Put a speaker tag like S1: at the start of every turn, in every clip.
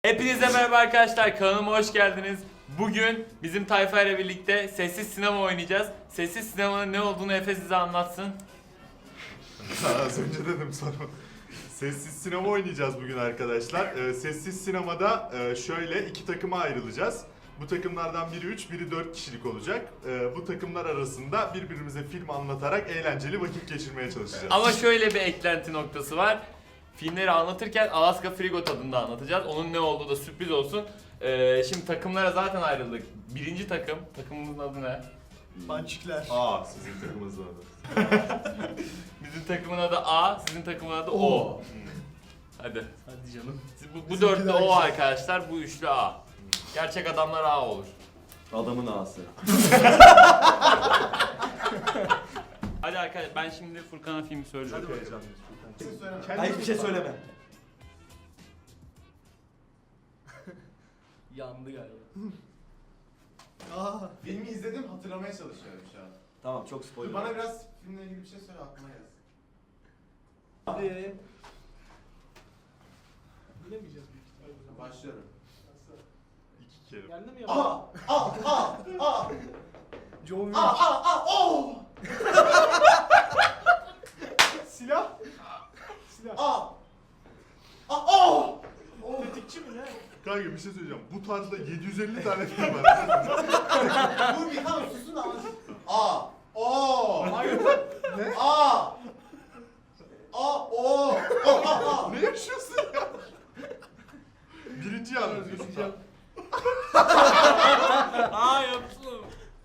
S1: Hepinize merhaba arkadaşlar, kanalıma hoş geldiniz. Bugün bizim tayfa ile birlikte sessiz sinema oynayacağız. Sessiz sinemanın ne olduğunu Efe size anlatsın.
S2: Az önce dedim sana. Sessiz sinema oynayacağız bugün arkadaşlar. Sessiz sinemada şöyle iki takıma ayrılacağız. Bu takımlardan biri 3, biri 4 kişilik olacak. Bu takımlar arasında birbirimize film anlatarak eğlenceli vakit geçirmeye çalışacağız.
S1: Ama şöyle bir eklenti noktası var. Filmleri anlatırken Alaska Frigo tadında anlatacağız. Onun ne olduğu da sürpriz olsun. Şimdi takımlara zaten ayrıldık. Birinci takım, takımımızın adı ne?
S3: Pançikler.
S2: Aa, sizin takımınızın adı.
S1: Bizim takımın adı A, sizin takımın adı O. Hadi.
S3: Hadi canım.
S1: Bu dörtlü O arkadaşlar, bu üçlü A. Gerçek adamlar A olur.
S4: Adamın ağası.
S1: Hadi arkadaşlar, ben şimdi Furkan'a film söyleyeceğim.
S2: Çok heyecanlıyız.
S4: Hayır hiçbir şey söyleme.
S3: Yandı galiba.
S5: Filmi izledim, hatırlamaya çalışıyorum şu an.
S4: Tamam çok spoiler.
S5: Bana biraz filmle ilgili bir şey söyle, aklıma gelsin.
S3: Hadi. Bilemeyeceğiz büyük ihtimalle.
S5: Başlıyorum.
S2: İki kere.
S3: Geldi mi ya? John Wick.
S5: Oh!
S3: Silah. Silah.
S5: Oh!
S3: Tetikçi mi ne?
S2: Kanka bir şey söyleyeceğim. Bu tarzda 750 tane film var.
S5: Dur bir tamam susun ama. O!
S3: Hayır.
S5: Ne? O!
S2: Ne yaşıyorsun ya? Birinciyi anlatıyorsun.
S1: Aa yaptım.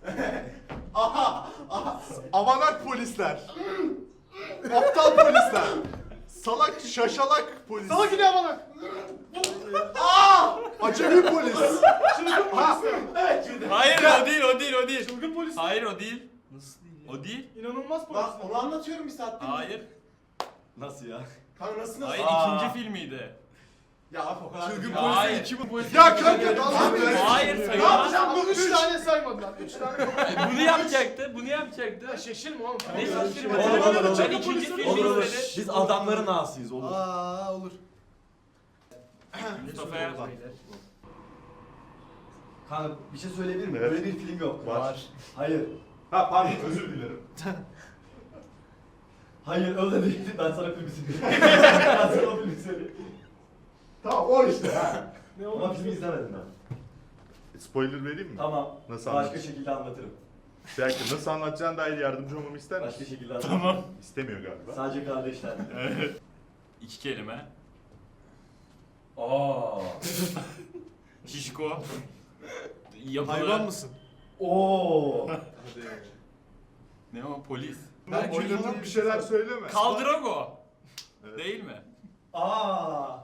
S2: Avanak polisler. Aptal polisler. Salak şaşalak polis.
S3: Salak gidiyor bana.
S2: Acemi polis.
S3: Çılgın polis.
S5: Evet şimdi.
S1: Hayır o değil.
S3: Çılgın polis.
S1: Hayır o değil.
S3: Nasıl değil ya?
S1: O değil.
S3: İnanılmaz polis.
S5: Bak onu anlatıyorum bir saattir.
S1: Hayır.
S4: Nasıl ya?
S5: Kanka nasıl?
S1: Hayır
S4: Aa.
S1: ikinci filmiydi.
S5: Ya abi o kadar.
S2: Çılgın
S5: Ya.
S1: Hayır.
S2: Ya kanka dalga mı?
S1: Hayır
S5: Ne
S1: sayılmaz.
S5: yapacağım bu
S3: 3 tane saymadılar. 3 tane.
S1: Bunu yapacaktı. Bunu yapacaktı.
S3: Ya şaşırma oğlum.
S1: Ne şaşırma.
S4: Olur.
S1: Ben ikinci filmi
S4: Olur olur.
S1: izledim.
S4: Biz adamların ağasıyız olur.
S3: Olur.
S1: Mustafa'ya.
S4: Kanka bir şey söyleyebilir miyim?
S2: Evet.
S4: Böyle bir film yok.
S2: Var.
S4: Hayır.
S2: Ha pardon özür dilerim.
S4: Hayır öyle değil. Ben sana filmi söyleyeyim. Ben sana o filmi söyleyeyim.
S2: Tamam o işte ha.
S3: Ne
S4: Ama
S3: oldu?
S4: filmi izlemedim ben.
S2: Spoiler vereyim mi?
S4: Tamam.
S2: Nasıl
S4: Başka
S2: anlatayım?
S4: şekilde anlatırım.
S2: Bir dakika nasıl anlatacağına dair yardımcı olmamı ister
S4: Başka
S2: misin?
S4: şekilde anlatırım.
S1: Tamam.
S2: İstemiyor galiba.
S4: Sadece kardeşler.
S1: İki kelime.
S4: Aa.
S1: Şişko. Yapılı.
S3: Hayvan mısın?
S4: Oo.
S1: Ne o polis.
S2: Ben oynatıp bir şeyler söyleme.
S1: Kaldırago.
S2: Evet.
S1: Değil mi?
S4: Aa.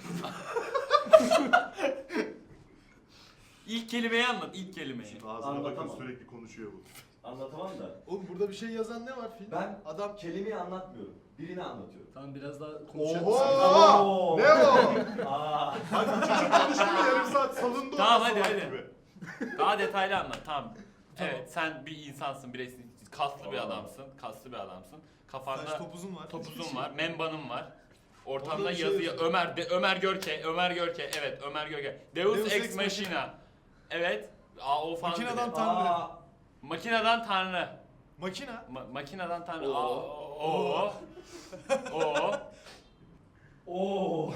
S1: İlk kelimeyi anlat. İlk kelimeyi.
S2: Ağzına bakın
S4: Anlatamam.
S2: sürekli konuşuyor bu.
S4: Anlatamam da.
S3: Oğlum burada bir şey yazan ne var film?
S4: Ben
S3: Adam.
S4: kelimeyi anlatmıyorum. Birini anlatıyorum.
S3: Tamam biraz daha konuşalım.
S2: Oho!
S4: Oo.
S2: Ne o?
S4: Aa.
S2: Hadi çocuk konuşuyor yarım saat salonda
S1: Tamam,
S2: oynuyor
S1: hadi,
S2: salak
S1: hadi.
S2: gibi.
S1: Daha detaylı anlat. Tamam. Evet sen bir insansın. Bireysin. Kaslı bir adamsın. Kaslı bir adamsın. Kafanda
S3: Saç topuzun var.
S1: topuzun var. Membanın var. Ortamda
S3: Orada bir şey
S1: yazıyor.
S3: yazıyor.
S1: Ömer Görke. Evet Ömer Görke. Deus
S3: Deus
S1: Ex
S3: Ex
S1: Machina. Evet. O falan.
S3: Makineden
S1: dedi.
S3: Tanrı.
S4: Aa.
S1: Makineden Tanrı.
S3: Makina.
S1: Makineden Tanrı.
S4: Oo.
S1: O.
S4: Oo.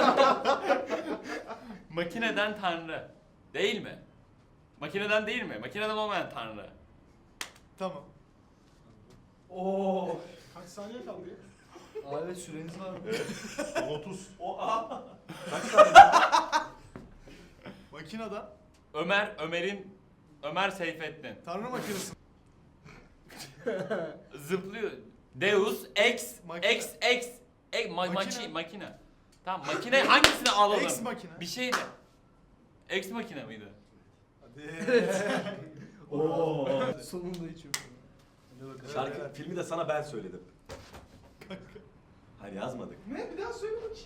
S1: Makineden Tanrı. Değil mi? Makineden değil mi? Makineden olmayan Tanrı.
S3: Tamam.
S4: Oo.
S3: Kaç saniye kaldı ya?
S4: Evet süreniz var mı?
S2: 30.
S4: O a.
S3: Makinada.
S1: Ömer Seyfettin.
S3: Tanrı makinesi.
S1: Zıplıyor. Deus Ex
S3: Makine.
S1: Makine. Makine. Tamam makine hangisini alalım?
S3: Ex makine.
S1: Bir şey de. Ex makine miydi?
S3: Hadi.
S4: Oo.
S3: Sonunda içiyorum. Hadi bakalım.
S4: Şarkı filmi de sana ben söyledim. Hayır yazmadık.
S3: Ne? Bir daha söyle bakayım.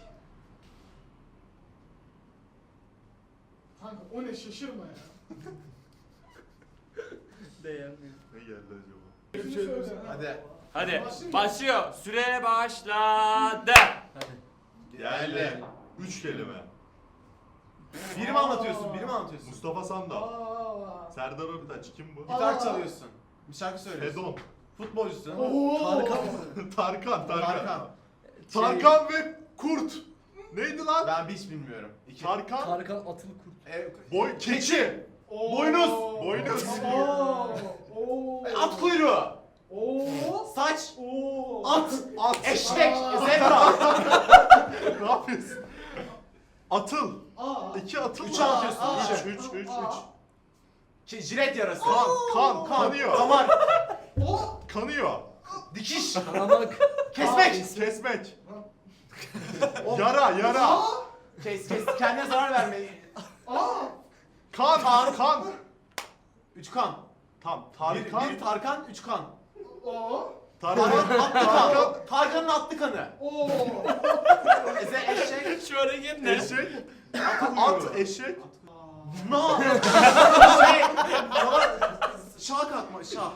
S3: Kanka o ne şaşırma ya. Beğenmiyorum.
S2: Ne geldi acaba?
S3: Hadi.
S1: Hadi
S3: Başlayayım mı?
S1: başlıyor. Süre başladı.
S2: Geldi. 3 kelime.
S5: Biri mi anlatıyorsun? Biri mi anlatıyorsun?
S2: Mustafa Sandal.
S3: Aa.
S2: Serdar Ortaç kim bu?
S5: Gitar çalıyorsun. Bir şarkı söylüyorsun.
S2: Fedon.
S5: Futbolcusun.
S3: Oo.
S2: Tarkan.
S5: Tarkan.
S2: Tarkan ve Kurt. Neydi lan?
S5: Ben hiç bilmiyorum. İki.
S2: Tarkan.
S4: Tarkan atılı kurt.
S2: Boy keçi.
S3: Oo.
S2: Boynuz. Boynuz.
S3: Oo. Oo.
S5: At kuyruğu.
S3: Oo.
S5: Saç.
S3: Oo.
S5: At.
S2: At.
S5: Eşek.
S3: Aa.
S5: Zebra.
S2: Ne yapıyorsun? Atıl.
S3: Aa.
S2: 2 atıl.
S5: Üç anlatıyorsun,
S2: Üç.
S5: Jilet yarası.
S2: Kan. Kanıyor.
S5: Damar.
S3: Oo.
S2: Kanıyor.
S5: Dikiş.
S4: Kanamak.
S5: Kesmek.
S2: Kesmek.
S5: O-
S2: Yara.
S3: Aa.
S5: Kes. Kendine zarar vermeyi.
S3: Aa.
S2: Kan.
S5: Üç kan.
S2: Tam.
S5: Bir
S2: Tarkan.
S5: Tarkan, üç kan.
S3: Oo.
S5: Tarkan'ın
S2: Tarkan.
S5: atlı kan. Tarkan'ın atlı kanı.
S3: Oo.
S5: Eşek.
S1: Şu hareket ne?
S2: Eşek. At. Eşek.
S5: No. Şey. Şah kalkma. Şah.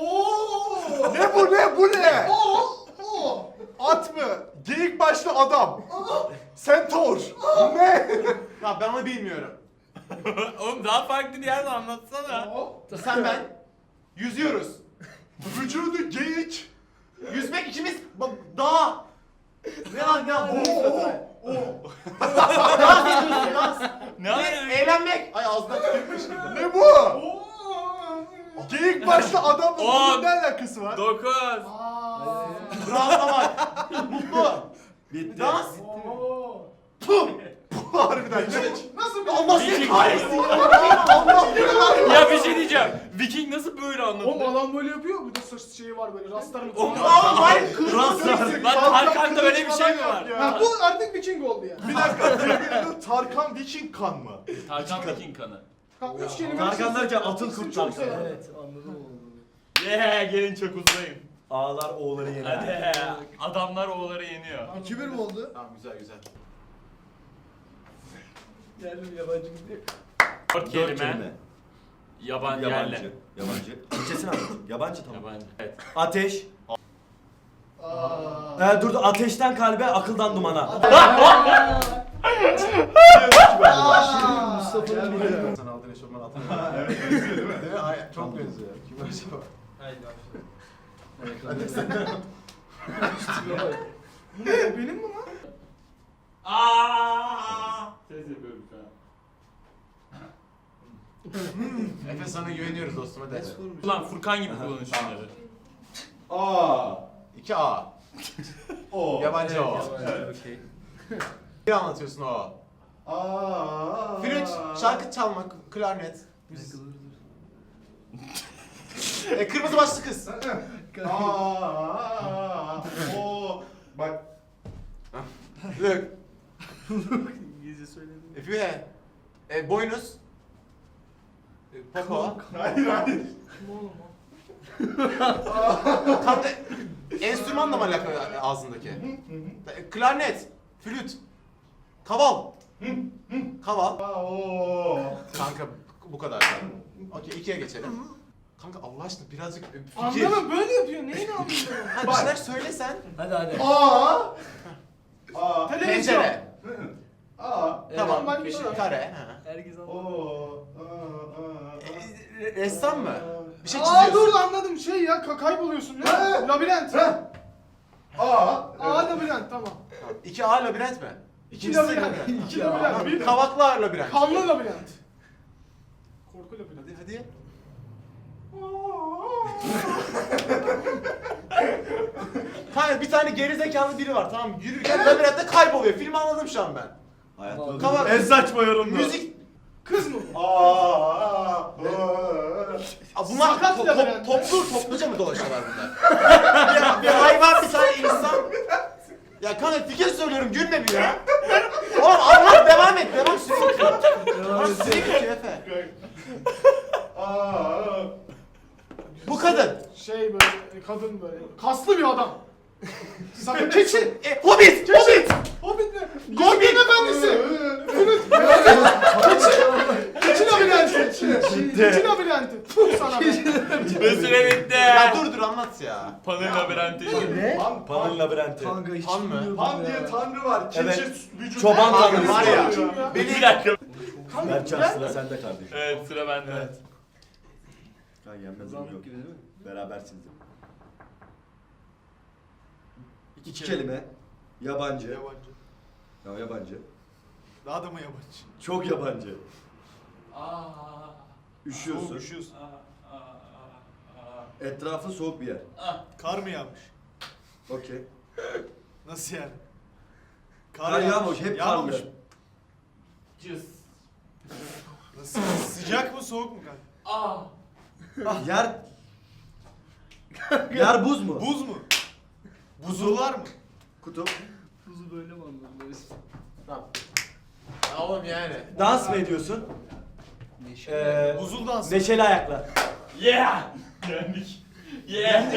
S3: Oo.
S2: Ne bu ne?
S3: Oo.
S2: At mı? Geyik başlı adam. Centaur. Ne?
S5: Ya ben onu bilmiyorum.
S1: Oğlum daha farklı bir yerde anlatsana.
S3: Oo.
S5: Sen ben. Yüzüyoruz.
S2: Vücudu geyik.
S5: Yüzmek ikimiz dağ. Ne lan ne lan?
S3: Oo.
S5: Dans ediyorsun dans.
S1: Ne alaka?
S5: Eğlenmek. Ay ağzından tükürmüş gibi.
S2: Ne bu?
S3: Oo.
S2: Geyik başlı adamla
S1: On.
S2: bunun ne alakası var?
S1: 9.
S3: Aa.
S5: Rahatlamak. Mutlu.
S4: Bitti.
S5: Dans.
S3: Oo.
S5: Puh.
S2: Harbiden geyik.
S3: Nasıl bir
S5: Allah seni
S1: Viking.
S5: kahretsin ya. Allah seni.
S1: Ya bir şey diyeceğim. Viking nasıl böyle
S3: Oğlum
S1: anlatıyor?
S3: adam böyle yapıyor. Bir de saç şeyi var böyle. Rastlar mı?
S1: Oğlum,
S5: Hayır kız.
S1: Lan Tarkan'da öyle bir şey mi var?
S3: Ha bu artık Viking oldu ya.
S2: Bir dakika. Birbirinin Tarkan Viking kan mı?
S1: Tarkan Viking kanı.
S3: Ha, üç kelime.
S4: Tarkan derken atıl
S3: İkisini
S4: kurt
S3: çok
S4: Tarkan.
S3: severim.
S4: Evet anladım onu.
S1: Gelin çok uzayım.
S4: Ağlar oğulları yener.
S1: Hadi. Adamlar oğulları yeniyor.
S4: 2-1 mi oldu?
S5: Tamam güzel.
S4: Geldim yabancı gidiyor.
S1: 4 kelime. Yabancı.
S6: Yabancı. Türkçesini anlat. Yabancı tamam.
S1: Yabancı. Evet.
S6: Ateş.
S3: Aa.
S6: Dur ateşten kalbe, akıldan dumana.
S4: Mustafa'nın biri.
S5: Sen aldın eşofman atın.
S2: Evet. Benziyor değil mi?
S5: Değil mi? Hayır, çok benziyor. Kim acaba?
S3: Bu ne? Benim mi lan?
S1: Ses yapıyorum şu an.
S5: Efe sana güveniyoruz dostum hadi.
S1: Ulan Furkan gibi kullanın şunları.
S2: A.
S5: 2A.
S2: O.
S5: Yabancı o.
S4: Okey.
S5: Bir anlatıyorsun o.
S2: A.
S5: Flüt, şarkı çalmak, klarnet. Kırmızı başlı kız.
S2: A. O. Bak.
S5: Look.
S4: İngilizce söyledim.
S5: Fühe. Boynuz. Popo.
S2: Hayır.
S5: Tam da enstrümanla mı alakalı ağzındaki? Klarnet. Flüt. Kaval. Kaval.
S2: O.
S5: Kanka bu kadar. Okey 2'ye geçelim. Kanka Allah aşkına birazcık fikir.
S3: Anlamam böyle yapıyor. Neyini anlamıyorum?
S5: Ha, bir şeyler söylesen.
S4: Hadi.
S2: A. A.
S3: Televizyon.
S5: Pencere.
S2: A.
S5: Tamam.
S3: ben bir şey-
S5: Kare. Ha.
S4: Herkes
S2: O.
S4: anladı.
S5: Ressam mı? Bir şey
S3: Aa
S5: çiziyorsun.
S3: dur anladım şey ya kayboluyorsun ne? Labirent.
S2: A.
S3: Aa labirent tamam.
S5: 2A labirent mi?
S3: İki labirent. İki labirent. Bir
S5: Kavaklı labirent.
S3: kanlı labirent. Korku labirent.
S5: Hadi. Kanka bir tane gerizekalı biri var tamam mı? Yürürken labirentte kayboluyor. Filmi anladım şu an ben.
S6: Hayatım.
S5: Kavak.
S6: En saçma yorumdu.
S5: Müzik.
S3: Kız mı? bu?
S2: A.
S5: Bunlar
S3: Sakat labirent.
S5: topluca mı dolaşıyorlar bunlar? bir hayvan bir tane insan. Ya kanka fikir söylüyorum gülme bir ya. Oğlum anlat devam et devam sürekli. Devam sürekli Efe.
S2: A.
S5: Bu kadın.
S3: Şey böyle kadın böyle kaslı bir adam. Sakın keçi.
S5: Hobbit. Hobbit.
S3: Hobbit ne?
S5: Hobbit.
S3: Gözlerin efendisi. Flüt. Keçi labirenti. Keçi labirenti. Puh sana be.
S1: Ve süre bitti.
S5: Ya dur anlat ya.
S1: Panel labirenti.
S4: Ne?
S6: Panın labirenti.
S4: Kanka hiç
S5: Han mı?
S4: bilmiyordum
S2: Han
S4: ya.
S2: diye tanrı var. Keçi
S6: Evet.
S2: vücudu.
S6: Çoban
S5: Kanka
S6: tanrısı.
S5: var ya.
S1: Bir dakika.
S6: Berkcan sıra sende kardeşim.
S1: Evet sıra bende.
S2: Evet.
S6: Kan yenmez
S4: Zamlık
S6: yok.
S4: gibi değil mi?
S6: Berabersiniz.
S5: İki
S6: Kelime. Yabancı.
S2: Yabancı.
S6: Ya yabancı.
S2: Daha da mı yabancı?
S6: Çok yabancı.
S1: Aa.
S6: Üşüyorsun.
S2: Üşüyorsun.
S6: Etrafı soğuk bir yer.
S2: Kar mı yağmış?
S6: Okey.
S2: Nasıl yani?
S6: Kar yağmış, hep
S2: Yağmamış
S6: karlı.
S2: mı?
S1: Cız.
S2: Nasıl? Sıcak mı soğuk mu kanka?
S1: Aa.
S6: Yer... Yer buz mu?
S2: Buz mu? Buzullar mı?
S6: Kutup.
S4: Kuzu böyle mi anladın?
S1: Oğlum yani.
S6: Dans mı ediyorsun?
S2: Buzul dansı.
S6: Neşeli ayaklar.
S1: Yeah. Yendik. Yeah.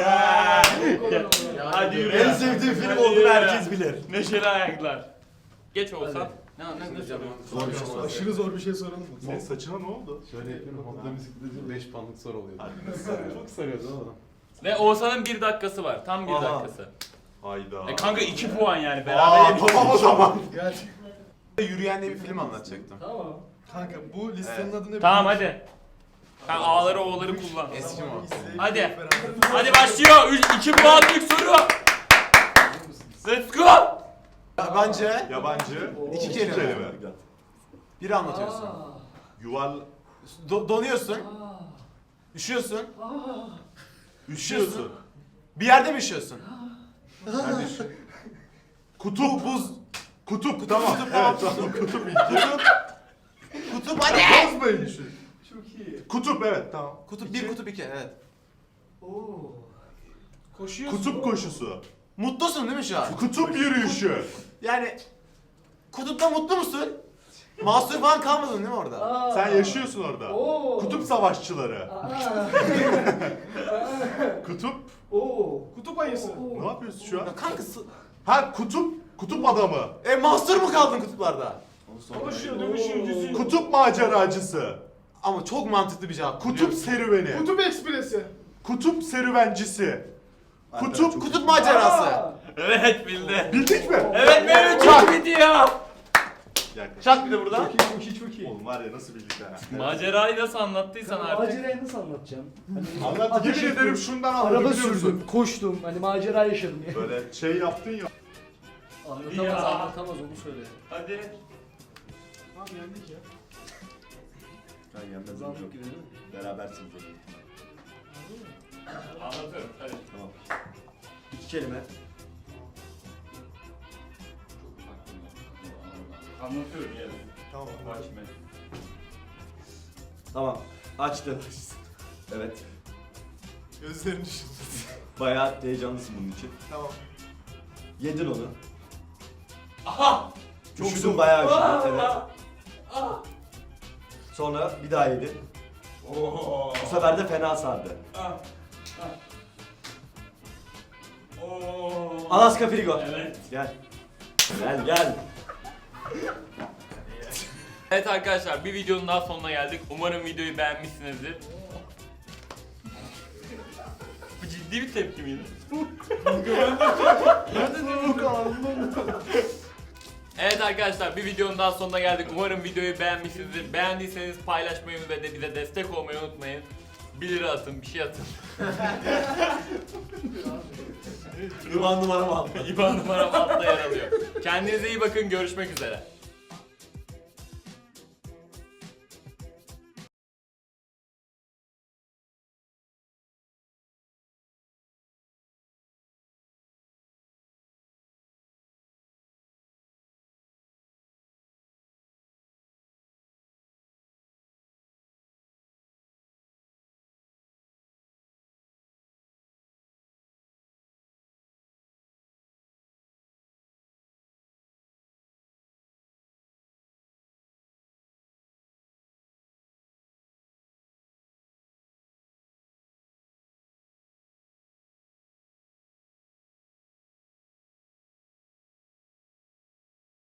S1: Hadi yürü.
S6: En sevdiğim film olduğunu herkes bilir.
S1: Neşeli ayaklar. Geç olsa. Ne
S6: Zor bir şey sor.
S3: Aşırı zor bir şey soralım mı?
S2: Senin saçına ne oldu?
S7: Şöyle yapıyorum. Honda bisikleti 5 puanlık soru oluyor. Çok sarıyordu ama.
S1: Ve Oğuzhan'ın 1 dakikası var. Tam 1
S6: Aha.
S1: dakikası.
S2: Hayda.
S1: Kanka 2 puan yani.
S2: Aa,
S1: Beraber
S2: tamam o zaman.
S7: Yürüyen diye bir film anlatacaktım.
S4: Tamam.
S2: Kanka bu listenin adı ne?
S1: Tamam hadi. Sen A'ları O'ları kullan.
S7: Eski mi?
S1: Hadi. Hadi başlıyor. 2 puanlık soru. Let's go.
S7: Yabancı.
S2: Yabancı.
S7: İki kelime. Biri anlatıyorsun.
S2: Yuval...
S7: Donuyorsun. Üşüyorsun.
S2: Üşüyorsun.
S7: Bir yerde mi üşüyorsun?
S2: Kutup. Buz. Kutup. Tamam. Evet, tamam. Kutup.
S7: Kutup hadi.
S2: Bozmayın şu.
S4: Çok iyi.
S2: Kutup evet tamam.
S7: Kutup 1, kutup 2 evet.
S4: Oo.
S3: Koşuyorsun.
S2: Kutup koşusu.
S7: Mutlusun değil mi şu an?
S2: Kutup yürüyüşü.
S7: Yani kutupta mutlu musun? Mahsur falan kalmadın değil mi orada?
S2: Sen yaşıyorsun orada.
S4: Oo.
S2: Kutup savaşçıları.
S4: Aa.
S2: Kutup.
S4: Oo.
S3: Kutup ayısı.
S2: Ne yapıyorsun şu an?
S7: Ya kankası.
S2: Ha kutup adamı.
S7: Mahsur mu kaldın kutuplarda?
S3: Koşuyor, dövüşüyor, yüzüyor.
S2: Kutup maceracısı.
S7: Ama çok mantıklı bir cevap.
S2: Kutup serüveni.
S3: Kutup ekspresi.
S2: Kutup serüvencisi. Kutup
S7: Kutup macerası.
S4: Aa.
S1: Evet bildi.
S2: Bildik mi?
S1: Evet benim çok bitiyor.
S6: Çak bir de buradan.
S4: Çok iyi, çok iyi.
S2: Oğlum var ya nasıl bildik ha.
S1: Macerayı nasıl anlattıysan artık.
S4: Macerayı nasıl anlatacağım?
S2: Anlat. Yemin ederim şundan anladım
S4: Araba
S2: biliyor musun?
S4: sürdüm, koştum. Hani macera yaşadım ya.
S2: Böyle şey yaptın ya.
S4: Anlatamaz,
S1: Ya.
S4: anlatamaz onu söyle.
S1: Hadi.
S3: Tamam yendik ya.
S6: Kan yenmez
S4: Zamlık
S6: yok.
S4: gibi değil mi?
S6: Berabersiniz.
S1: Anlatıyorum. Hadi.
S6: Tamam. 2 kelime.
S1: Anlatıyorum yani.
S2: Tamam.
S1: Başme.
S6: Tamam. Açtım. Evet.
S2: Gözlerini düşün.
S6: Bayağı heyecanlısın bunun için.
S2: Tamam.
S6: Yedin onu.
S1: Aha!
S6: Çok üşüdün bayağı üşüdün. Evet. Sonra bir daha yedin.
S1: Oo.
S6: Bu sefer de fena sardı.
S1: Oo.
S6: Alaska Frigo.
S1: Evet.
S6: Gel. Gel gel.
S1: Evet arkadaşlar bir videonun daha sonuna geldik. Umarım videoyu beğenmişsinizdir. Bu ciddi bir tepki miydi? Evet arkadaşlar bir videonun daha sonuna geldik. Umarım videoyu beğenmişsinizdir. Beğendiyseniz paylaşmayı ve de bize destek olmayı unutmayın. 1 lira atın, bir şey atın.
S6: İvan numaramı al.
S1: İban numaram altta yer alıyor. Kendinize iyi bakın, görüşmek üzere.